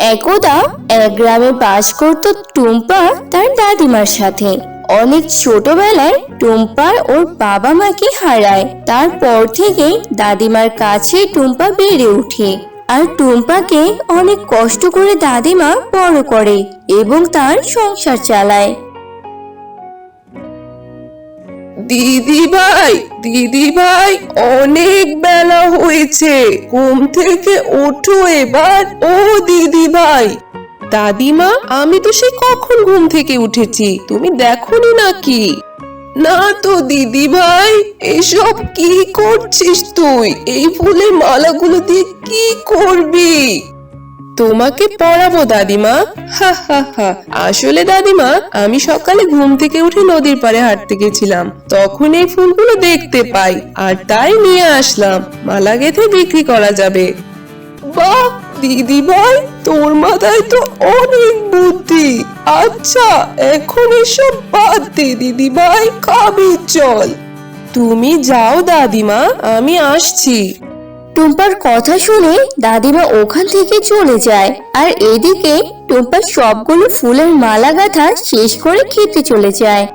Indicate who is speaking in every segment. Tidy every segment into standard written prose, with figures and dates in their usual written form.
Speaker 1: একদা এক গ্রামে বাস করত টুম্পা তার দাদিমার সাথে। অনেক ছোটবেলায় টুম্পা ওর বাবা মাকে হারায়। তারপর থেকে দাদিমার কাছে টুম্পা বেড়ে ওঠে। আর টুম্পাকে অনেক কষ্ট করে দাদিমা বড় করে এবং তার সংসার চালায়।
Speaker 2: দিদি ভাই, অনেক বেলা হয়েছে, ঘুম থেকে ওঠো এবার। ও দিদি ভাই। দাদিমা, আমি তো সেই কখন ঘুম থেকে উঠেছি, তুমি দেখোনি নাকি? না তো দিদি ভাই, এসব কি করছিস তুই? এই ফুলের মালাগুলো দিয়ে কি করবি? তোমাকে পড়াবো দাদিমা। হা হা হা। আসলে দাদিমা, আমি সকালে ঘুম থেকে উঠে নদীর পাড়ে হাঁটতে গেছিলাম, তখন এই ফুলগুলো দেখতে পাই আর তাই নিয়ে আসলাম, মালা গেঁথে বিক্রি করা যাবে। বাহ দিদি ভাই, তোর মাথায় তো অনেক বুদ্ধি। আচ্ছা, এখন এসব বাদ দে দিদি ভাই, খাবি চল। তুমি যাও দাদিমা, আমি আসছি।
Speaker 1: টুম্পার কথা শুনে দাদিমা ওখান থেকে চলে যায়। আর এদিকে টুম্পা সবগুলো ফুলের মালা গাঁথা শেষ করে খেতে চলে যায়।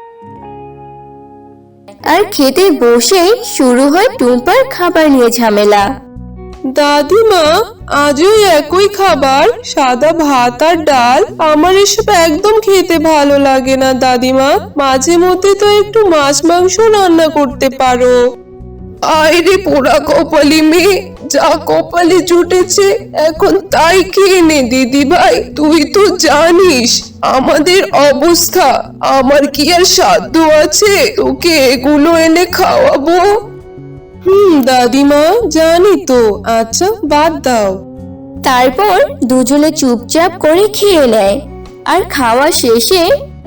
Speaker 1: আর খেতে বসে শুরু হয় টুম্পার খাবার নিয়ে ঝামেলা।
Speaker 2: দাদিমা, আজও একই খাবার, সাদা ভাত আর ডাল। আমার এসব একদম খেতে ভালো লাগে না দাদিমা, মাঝে মধ্যে তো একটু মাছ মাংস রান্না করতে পারো। আরে পোড়া কপালি মেয়ে, যা কপালে জুটেছে এখন তাই খেয়ে নে দিদি ভাই। তুই তো জানিস আমাদের অবস্থা, আমার কি আর সাধ্য আছে তোকে এগুলো এনে খাওয়াবো? দাদিমা, জানি তো। আচ্ছা, বাদ দাও।
Speaker 1: তারপর দুজনে চুপচাপ করে খেয়ে নেয়। আর খাওয়া শেষে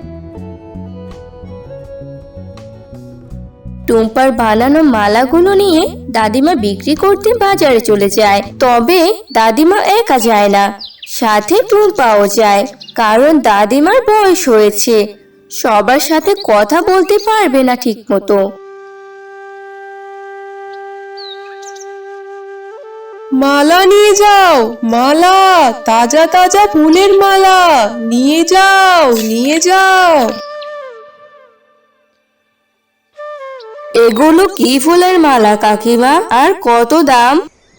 Speaker 1: টুম্পার বানানো মালাগুলো নিয়ে দাদিমা বিক্রি করতে বাজারে চলে যায়। তবে দাদিমা একা যায় না, সাথে টুম্পাও যায়। কারণ দাদিমার বয়স হয়েছে, সবার সাথে কথা বলতে পারবে না ঠিক মতো।
Speaker 2: মালা নিয়ে যাও, মালা, তাজা তাজা ফুলের মালা নিয়ে যাও, নিয়ে যাও।
Speaker 1: এগুলো কি ফুলের মালা কাকিমা, আর কত দাম?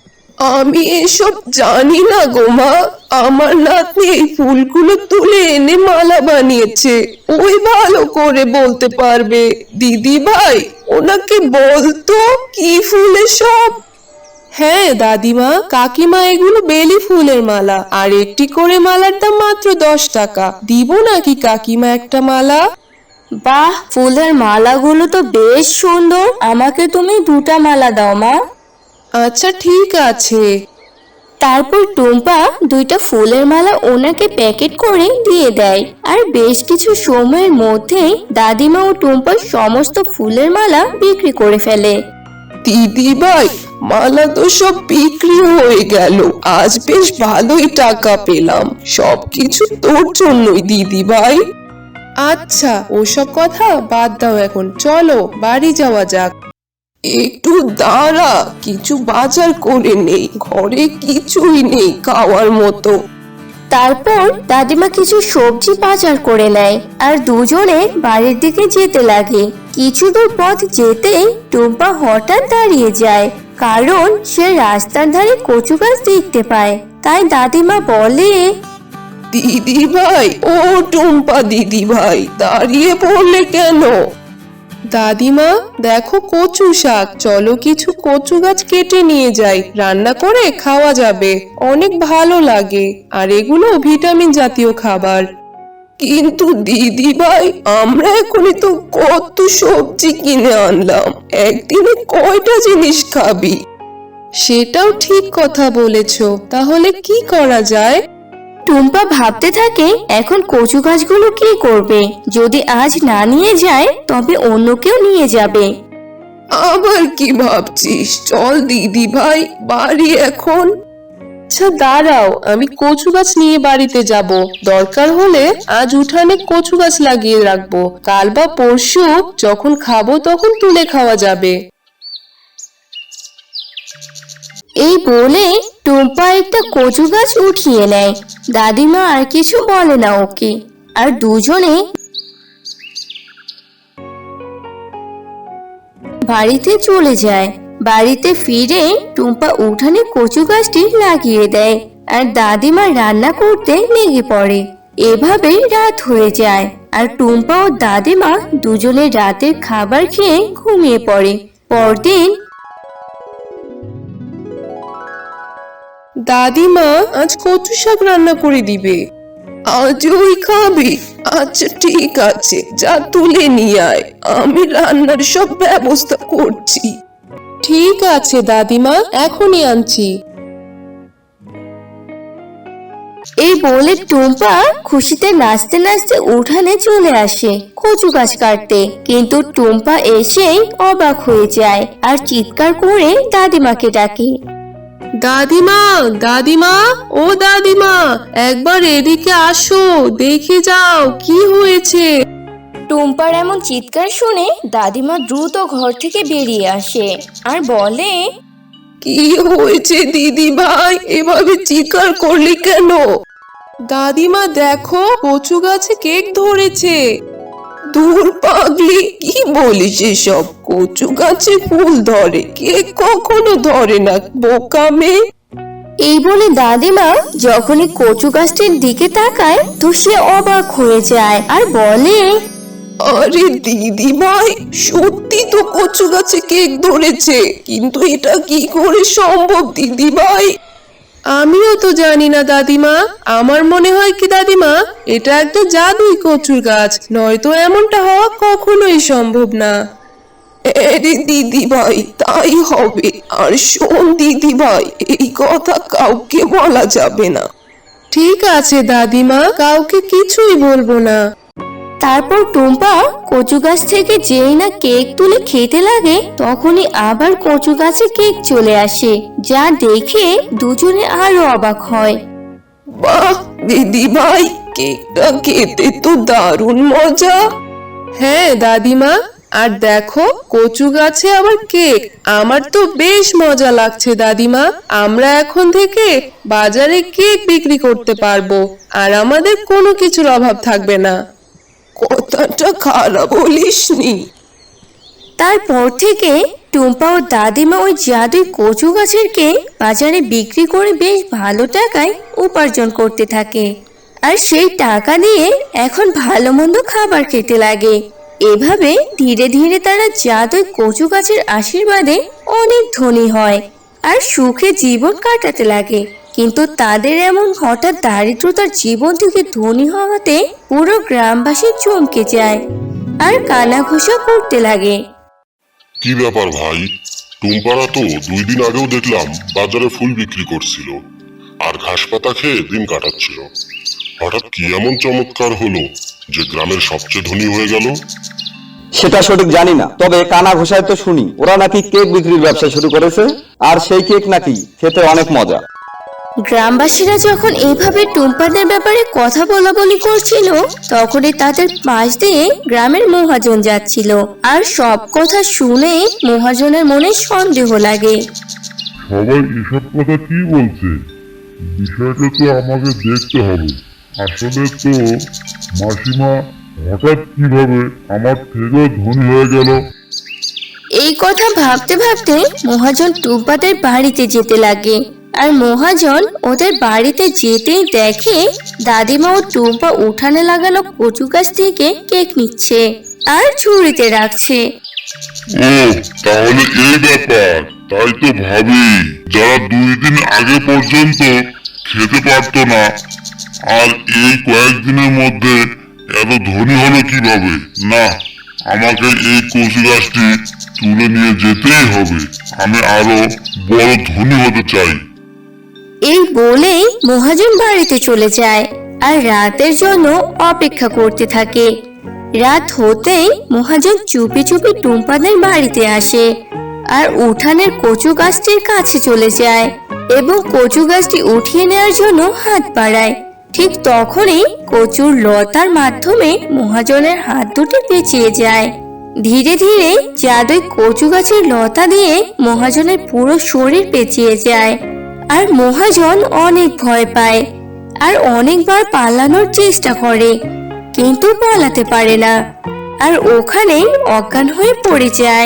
Speaker 2: আমি এসব জানি না গো মা, আমার নাতনি এই ফুলগুলো তুলে এনে মালা বানিয়েছে, ওই ভালো করে বলতে পারবে। দিদি ভাই, ওনাকে বলতো কি ফুলের সব। হ্যাঁ দাদিমা, কাকিমা, এগুলো বেলি ফুলের মালা, আর একটি করে মালার দাম মাত্র 10 টাকা। দিব নাকি কাকিমা একটা মালা?
Speaker 1: বাহ, ফুলের মালাগুলো তো বেশ সুন্দর, আমাকে তুমি 2টা মালা দাও মা।
Speaker 2: আচ্ছা ঠিক আছে।
Speaker 1: তারপর টুম্পা 2টা ফুলের মালা ওনাকে প্যাকেট করে দিয়ে দেয়। আর বেশ কিছু সময়ের মধ্যেই দাদিমা ও টুম্পা সমস্ত ফুলের মালা বিক্রি করে ফেলে।
Speaker 2: দিদি ভাই, মালা তো সব বিক্রি হয়ে গেল, আজ বেশ ভালোই টাকা পেলাম। সবকিছু তোর জন্যই দিদি ভাই। আচ্ছা, ওসব কথা বাদ দাও, এখন চলো বাড়ি যাওয়া যাক। একটু দাঁড়া, কিছু বাজার করে নেই, ঘরে কিছুই নেই খাওয়ার মতো।
Speaker 1: তারপর দাদিমা কিছু সবজি বাজার করে নেয় আর দুজনে বাড়ির দিকে যেতে লাগে। কিছু দূর পথ যেতেই টুম্পা হঠাৎ দাঁড়িয়ে যায়, কারণ সে রাস্তার ধারে কচু গাছ দেখতে পায়। তাই দাদিমা বলে,
Speaker 2: দিদি ভাই, ও টুম্পা দিদি ভাই, দাঁড়িয়ে পড়লে কেন? দাদিমা, দেখো কচু শাক, চলো কিছু কচু গাছ কেটে নিয়ে যাই, রান্না করে খাওয়া যাবে, অনেক ভালো লাগে, আর এগুলো ভিটামিন জাতীয় খাবার। কিন্তু দিদি ভাই, আমরা এখনই তো কত সবজি কিনে আনলাম, একদিনে কয়টা জিনিস খাবি? সেটাও ঠিক কথা বলেছো, তাহলে কি করা যায়?
Speaker 1: টুম্পা ভাবতে থাকে এখন কচু গাছগুলো কি করবে। যদি আজ না নিয়ে যায় তবে অন্য কেউ নিয়ে যাবে।
Speaker 2: আবার কি ভাবছিস? চল দিদি ভাই, বাড়ি এখন। আচ্ছা দাঁড়াও, আমি কচু গাছ নিয়ে বাড়িতে যাব, দরকার হলে আজ উঠানে কচু গাছ লাগিয়ে রাখবো, কাল বা পরশু যখন খাবো তখন তুলে খাওয়া যাবে।
Speaker 1: এই বলে টুম্পা একটা কচু গাছ উঠিয়ে নেয়। দাদিমা আর কিছু বলে না ওকে, আর দুজনে বাড়িতে চলে যায়। বাড়িতে ফিরে টুম্পা উঠানে কচু গাছটি লাগিয়ে দেয়, আর দাদিমা রান্না করতে লেগে পড়ে। এভাবে রাত হয়ে যায়, আর টুম্পা ও দাদিমা দুজনে রাতের খাবার খেয়ে ঘুমিয়ে পড়ে। পরদিন
Speaker 2: দাদিমা আজ কচু শাক রান্না করে দিবে। আজ ওই খাবি? আচ্ছা ঠিক আছে, যা তুলে নিয়ে আয়, আমি রান্নার সব ব্যবস্থা করছি। ঠিক আছে দাদিমা, এখনই আনছি।
Speaker 1: এই বলে টুম্পা খুশিতে নাচতে নাচতে উঠানে চলে আসে কচু গাছ কাটতে। কিন্তু টুম্পা এসেই অবাক হয়ে যায় আর চিৎকার করে দাদিমাকে ডাকে।
Speaker 2: দাদিমা, দাদিমা, ও দাদিমা, একবার এদিকে আসো, দেখে যাও কি হয়েছে।
Speaker 1: টুম্পার এমন চিৎকার শুনে দাদিমা দ্রুত ঘর থেকে বেরিয়ে আসে আর বলে,
Speaker 2: কি হয়েছে দিদি ভাই, এভাবে চিৎকার করলি কেন? দাদিমা দেখো, কচু গাছে কেক ধরেছে। দূর পাগলি, কি বলিস এসব? কচু গাছে ফুল ধরে, কেক কখনো ধরে না, বোকা মেয়ে।
Speaker 1: এই বলে দাদিমা যখনই কচু গাছটির দিকে তাকায় তো সে অবাক হয়ে যায় আর বলে,
Speaker 2: আরে দিদি ভাই, সত্যি তো কচু গাছে কেক ধরেছে, কিন্তু এটা কি করে সম্ভব দিদি ভাই? আমিও তো জানি না দাদিমা, আমার মনে হয় কি দাদিমা, এটা একটা জাদুই কচুর গাছ, নয়তো এমনটা হওয়া কখনোই সম্ভব না। আরে দিদি ভাই, তাই হবে। আর শোন দিদি ভাই, এই কথা কাউকে বলা যাবে না। ঠিক আছে দাদিমা, কাউকে কিছুই বলবো না।
Speaker 1: তারপর টুম্পা কচু গাছ থেকে যেই না কেক তুলে খেতে লাগে তখনই আবার কচু গাছে কেক চলে আসে, যা দেখে দুজনে আরো অবাক হয়।
Speaker 2: বাহ দিদি ভাই, কেকটা খেতে তো দারুণ মজা। হ্যাঁ দাদিমা, আর দেখো কচু গাছে আবার কেক, আমার তো বেশ মজা লাগছে দাদিমা। আমরা এখন থেকে বাজারে কেক বিক্রি করতে পারবো, আর আমাদের কোনো কিছুর অভাব থাকবে না। কথাটা খারাপ বলিসনি।
Speaker 1: তারপর থেকে টুম্পা ও দাদিমা ওই জাদুই কচু গাছের কেক বাজারে বিক্রি করে বেশ ভালো টাকায় উপার্জন করতে থাকে, আর সেই টাকা দিয়ে এখন ভালো মন্দ খাবার খেতে লাগে। এভাবে ধীরে ধীরে তারা জাদুই কচু গাছের আশীর্বাদে অনেক ধনী হয় আর সুখে জীবন কাটাতে লাগে। কিন্তু তাদের এমন হঠাৎ দারিদ্রতার জীবন থেকে ধনী হওয়াতে পুরো গ্রামবাসী চমকে যায় আর কানাঘুষা করতে লাগে।
Speaker 3: কি ব্যাপার ভাই, টুম্পারা তো 2 দিন আগেও দেখলাম বাজারে ফুল বিক্রি করছিল আর ঘাস পাতা খেয়ে দিন কাটাচ্ছিল। হঠাৎ কি এমন চমৎকার হলো যে গ্রামের সবচেয়ে ধনী হয়ে গেল?
Speaker 4: সেটা সঠিক জানি না, তবে কানা ঘোষায় তো শুনি ওরা নাকি কেক বিক্রির ব্যবসা শুরু করেছে, আর সেই কেক নাকি খেতে অনেক মজা।
Speaker 1: গ্রামবাসীরা যখন এইভাবে টুম্পাদের ব্যাপারে কথা বলাবলি করছিল তখনই তাদের পাশ দিয়ে গ্রামের মহাজন যাচ্ছিল, আর সব কথা শুনে মহাজনের মনে সন্দেহ লাগে।
Speaker 5: সবাই এসব কথা কি বলছে? বিষয়টা তো আমাকে দেখতে হবে। আসলে তো মাসিমা হঠাৎ কিভাবে আমার থেকেও ধনী হয়ে গেল?
Speaker 1: এই কথা ভাবতে ভাবতে মহাজন টুম্পাদের বাড়িতে যেতে লাগে, আর মহাজন ওদের বাড়িতে যেতেই দেখে দাদিমা ও টুম্পা উঠানে লাগানো কচু গাছ থেকে কেক নিচ্ছে আর ঝুড়িতে রাখছে।
Speaker 5: ও তাহলে এই ব্যাপার, তাই তো ভাবি যারা 2 দিন আগে পর্যন্ত খেতে পারতো না আর এই কয়েকদিনের মধ্যে এত ধনী হলো কিভাবে? না, আমাকে এই কচু গাছটি তুলে নিয়ে যেতেই হবে, আমি আরো বড় ধনী হতে চাই।
Speaker 1: এই বলেই মহাজন বাড়িতে চলে যায় আর রাতের জন্য অপেক্ষা করতে থাকে। রাত হতেই মহাজন চুপি চুপি টুম্পাদের বাড়িতে আসে আর উঠানের কচু গাছটির কাছে চলে যায় এবং কচু গাছটি উঠিয়ে নেওয়ার জন্য হাত বাড়ায়। ঠিক তখনই কচুর লতার মাধ্যমে মহাজনের হাত দুটি পেঁচিয়ে যায় ধীরে ধীরে জাদুই কচু গাছের লতা দিয়ে মহাজনের পুরো শরীর পেঁচিয়ে যায়। আর মহাজন অনেক ভয় পায় আর অনেকবার পালানোর চেষ্টা করে, কিন্তু পালাতে পারে না আর ওখানেই অজ্ঞান হয়ে পড়ে যায়।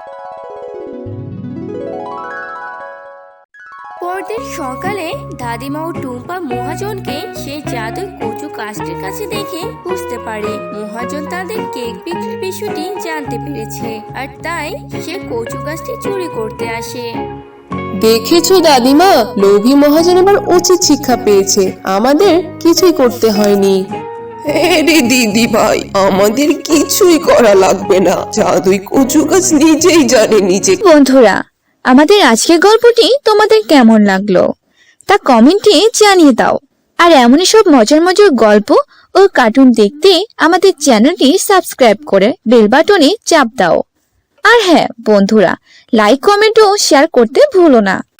Speaker 1: পরদিন সকালে দাদিমা ও টুম্পা মহাজনকে সেই জাদুই কচু গাছটির কাছে দেখে বুঝতে পারে মহাজন তাদের কেক বিক্রির বিষয়টি জানতে পেরেছে, আর তাই সে কচু গাছটি চুরি করতে আসে।
Speaker 2: দেখেছো দাদিমা, লোভী মহাজন এবার উচিত শিক্ষা পেয়েছে, আমাদের কিছুই করতে হয়নি। রে দিদি ভাই, আমাদের কিছুই করা লাগবে না, জাদুই কচু গাছ নিজেই জানে নিজে।
Speaker 6: বন্ধুরা, আমাদের আজকের গল্পটি তোমাদের কেমন লাগলো তা কমেন্টে জানিয়ে দাও। আর এমনই সব মজার মজার গল্প ও কার্টুন দেখতে আমাদের চ্যানেলটি সাবস্ক্রাইব করে বেল বাটনে চাপ দাও। আর হ্যাঁ বন্ধুরা, লাইক কমেন্ট ও শেয়ার করতে ভুলো না।